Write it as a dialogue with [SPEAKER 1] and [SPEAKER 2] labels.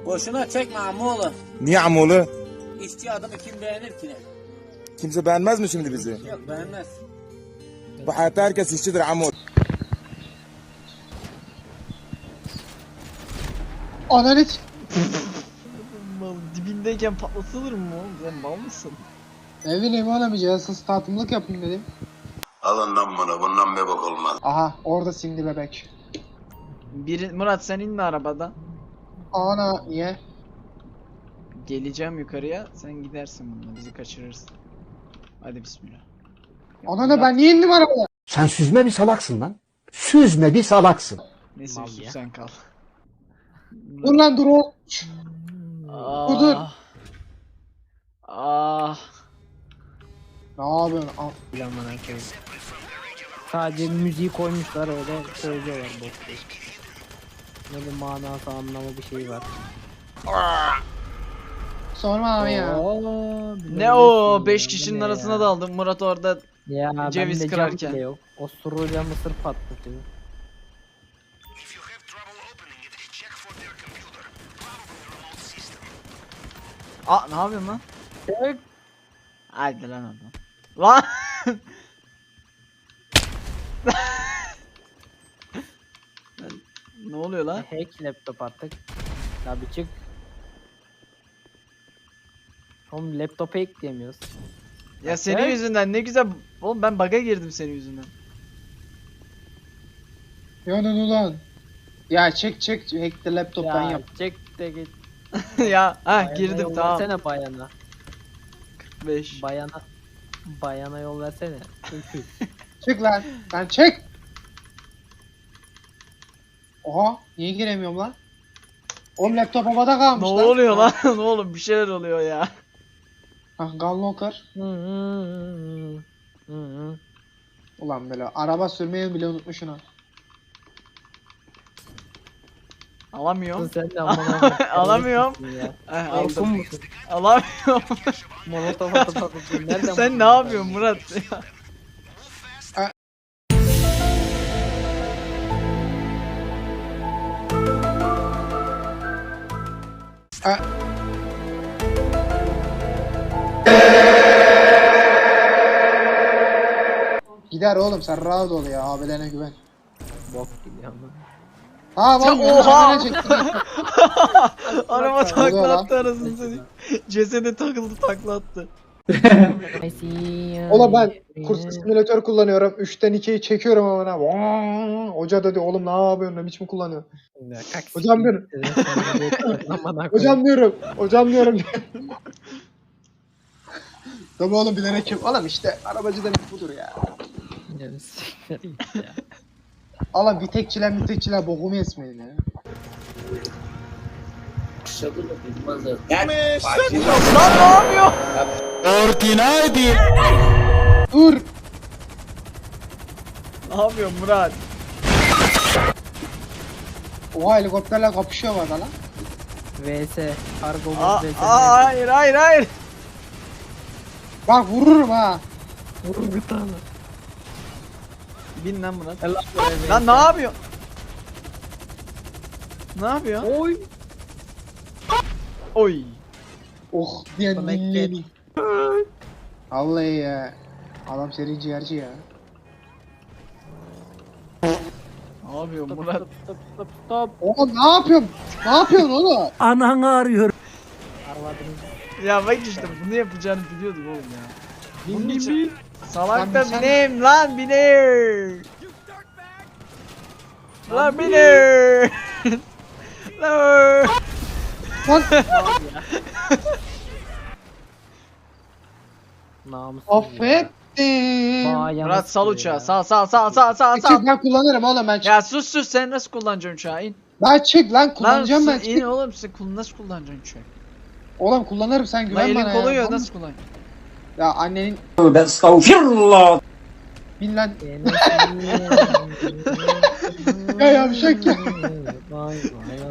[SPEAKER 1] Boşuna çekme ammoğlu.
[SPEAKER 2] Niye amoğlu?
[SPEAKER 1] İşçi adamı kim beğenir ki?
[SPEAKER 2] Kimse beğenmez mi şimdi bizi?
[SPEAKER 1] Yok beğenmez.
[SPEAKER 2] Bu hayatta herkes işçidir amoğlu.
[SPEAKER 3] Analiz.
[SPEAKER 4] Mal dibindeyken patlatılır mı oğlum? Sen mal mısın?
[SPEAKER 3] Ne bileyim oğlum, cihazsız tatımlık yapayım dedim.
[SPEAKER 5] Alın lan bunu, bundan bir bok olmaz.
[SPEAKER 3] Aha orada sindi bebek.
[SPEAKER 4] Murat sen inme arabadan.
[SPEAKER 3] Ana niye?
[SPEAKER 4] Geleceğim yukarıya. Sen gidersin bununla. Bizi kaçırırsın. Hadi bismillah.
[SPEAKER 3] Ana da ben niye indim arabaya?
[SPEAKER 6] Sen süzme bir salaksın lan. Süzme bir salaksın.
[SPEAKER 4] Neyse
[SPEAKER 6] Mal
[SPEAKER 4] Yusuf
[SPEAKER 6] ya.
[SPEAKER 4] sen kal.
[SPEAKER 3] Dur lan dur o. Dur.
[SPEAKER 4] Ah.
[SPEAKER 3] Ne yapıyorsun? Al.
[SPEAKER 7] Sadece müziği koymuşlar öyle söylüyorlar boş boş. Ne bir manası anlamı bir şey var.
[SPEAKER 3] Sorma abi ya.
[SPEAKER 4] Ne o 5 kişinin arasına daldım. Murat orada
[SPEAKER 7] Ya
[SPEAKER 4] ceviz
[SPEAKER 7] bende
[SPEAKER 4] kırarken.
[SPEAKER 7] cam bile yok. O suruyla mısır patlatıyor.
[SPEAKER 4] Aa ne yapıyorsun lan?
[SPEAKER 7] Evet.
[SPEAKER 4] Haydi lan oradan. Lan! Ne oluyor lan?
[SPEAKER 7] Hack laptop artık. Tabi çık. Oğlum laptopa ekleyemiyoruz.
[SPEAKER 4] Ya senin
[SPEAKER 7] Evet.
[SPEAKER 4] yüzünden ne güzel. Oğlum ben bug'a girdim senin yüzünden.
[SPEAKER 3] Yanın ulan. Ya çek hack the laptop'tan
[SPEAKER 7] Ya
[SPEAKER 3] yap.
[SPEAKER 7] çek de git.
[SPEAKER 4] Ya ha
[SPEAKER 7] Bayana
[SPEAKER 4] girdim
[SPEAKER 7] yol
[SPEAKER 4] tamam.
[SPEAKER 7] Versene bayana.
[SPEAKER 4] 5.
[SPEAKER 7] Bayana yol versene.
[SPEAKER 3] Çık lan. Lan çek. Oha niye giremiyorum lan? Oğlum laptop havada
[SPEAKER 4] Ne
[SPEAKER 3] kalmış lan.
[SPEAKER 4] oluyor lan? Ne oğlum bir şeyler oluyor ya.
[SPEAKER 3] Hah Gunlocker. Ulan böyle araba sürmeyi bile unutmuşsun ha.
[SPEAKER 4] Alamıyorum.
[SPEAKER 7] Sen de amına.
[SPEAKER 4] Alamıyorum.
[SPEAKER 7] Ya.
[SPEAKER 4] Aldım.
[SPEAKER 7] Korkun musun?
[SPEAKER 4] Alamıyorum.
[SPEAKER 7] Molotof atıp atıyorsun. Nereden
[SPEAKER 4] Sen
[SPEAKER 7] buldun
[SPEAKER 4] ne
[SPEAKER 7] ya?
[SPEAKER 4] yapıyorsun Murat?
[SPEAKER 3] Ha. Gider oğlum sen rahat ol ya abilerine güven.
[SPEAKER 7] Bok gibi ama.
[SPEAKER 3] Ha bak
[SPEAKER 4] Oha!
[SPEAKER 3] önüne çektim.
[SPEAKER 4] Araba
[SPEAKER 3] oluyor
[SPEAKER 4] takla
[SPEAKER 3] lan?
[SPEAKER 4] attı arasını seni. Cesede takıldı takla attı.
[SPEAKER 7] I see you.
[SPEAKER 3] Oğlum ben kurs simülatör kullanıyorum. 3'ten 2'yi çekiyorum amına. Vaa! Hoca dedi oğlum ne yapıyorsun ne biçim kullanıyorsun?
[SPEAKER 7] Ya, kalk
[SPEAKER 3] Hocam
[SPEAKER 7] siktir
[SPEAKER 3] diyorum.
[SPEAKER 7] git dedim, sen de yeter, amına koyayım.
[SPEAKER 3] Hocam diyorum. Hocam diyorum. Tabii oğlum bilerek kim? Oğlum işte arabacı demek budur ya.
[SPEAKER 7] Ya, siktir git ya.
[SPEAKER 3] Oğlum vitekçiler bokumu esmeyin ya.
[SPEAKER 4] Lan ne yapıyor?
[SPEAKER 3] Dur.
[SPEAKER 4] Ne yapıyor Murat?
[SPEAKER 3] Oha helikopterle kapışıyor var lan.
[SPEAKER 7] VS. Kargo
[SPEAKER 4] Aa,
[SPEAKER 7] VS.
[SPEAKER 4] hayır hayır hayır.
[SPEAKER 3] Bak vururum ha.
[SPEAKER 7] Vur bir tane.
[SPEAKER 4] Bin lan Murat.
[SPEAKER 7] Helal be,
[SPEAKER 4] Lan
[SPEAKER 7] VS.
[SPEAKER 4] ne yapıyor? Ne yapıyor?
[SPEAKER 7] Oy.
[SPEAKER 4] Oy.
[SPEAKER 3] Oh diyen
[SPEAKER 7] Connected.
[SPEAKER 3] dinleyeni. Vallahi ya. Adam seri ciğerci ya.
[SPEAKER 4] Ne yapıyor
[SPEAKER 7] Stop,
[SPEAKER 4] Murat?
[SPEAKER 7] stop, stop, stop, stop.
[SPEAKER 3] Oğlum ne yapıyorsun? Ne yapıyorsun oğlum?
[SPEAKER 7] Ananı arıyor. Arvadınız.
[SPEAKER 4] Ya bak işte bunu yapacağını biliyordum oğlum ya. Bunun
[SPEAKER 7] Bin
[SPEAKER 4] için
[SPEAKER 7] bin.
[SPEAKER 4] salak da
[SPEAKER 3] Sen-
[SPEAKER 4] bineyim lan bineyim. Lan bineyim. Lan.
[SPEAKER 3] Lan
[SPEAKER 7] Namussuz.
[SPEAKER 3] affettim.
[SPEAKER 4] Murat sal uçağı sal.
[SPEAKER 3] Çık ben kullanırım oğlum ben çık.
[SPEAKER 4] Ya sus sen nasıl kullanacaksın uçağı in.
[SPEAKER 3] Ben çık lan
[SPEAKER 4] Lan
[SPEAKER 3] kullanacağım ben
[SPEAKER 4] sus,
[SPEAKER 3] çık.
[SPEAKER 4] in oğlum sen nasıl kullanacaksın uçağı?
[SPEAKER 3] Oğlum kullanırım sen
[SPEAKER 4] Lan
[SPEAKER 3] güven
[SPEAKER 4] elin
[SPEAKER 3] bana ya.
[SPEAKER 4] koluyor
[SPEAKER 3] Tamam.
[SPEAKER 4] nasıl kullan?
[SPEAKER 3] Ya annenin bin lan. Ya yavşak ya.
[SPEAKER 7] Vay vay